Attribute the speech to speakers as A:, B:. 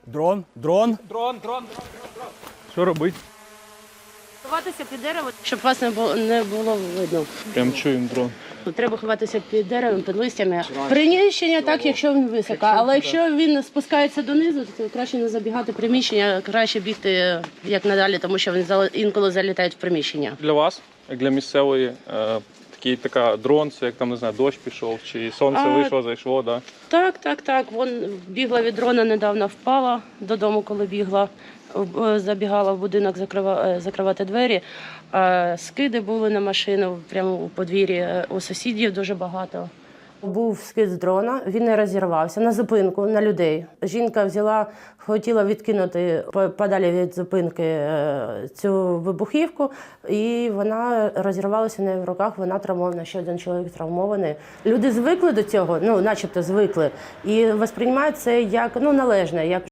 A: Дрон, дрон.
B: Що робити?
C: Ховатися під дерево, щоб вас не було видно.
B: Прям чуємо дрон.
C: Треба ховатися під деревом, під листями. Приміщення так, якщо він високо, але якщо він спускається донизу, то краще не забігати в приміщення, краще бігти як надалі, тому що він інколи залітає в приміщення.
B: Для вас, як для місцевої, така дрон, це як там, не знаю, дощ пішов, чи сонце вийшло, зайшло, да?
C: Так. Вон бігла від дрона, недавно впала додому, коли бігла. Забігала в будинок закривати двері. Скиди були на машину прямо у подвір'ї. У сусідів дуже багато. Був скид з дрона, він не розірвався на зупинку, на людей. Жінка хотіла відкинути подалі від зупинки цю вибухівку, і вона розірвалася в неї в руках, вона травмована, ще один чоловік травмований. Люди звикли до цього, начебто звикли, і сприймають це як належне, як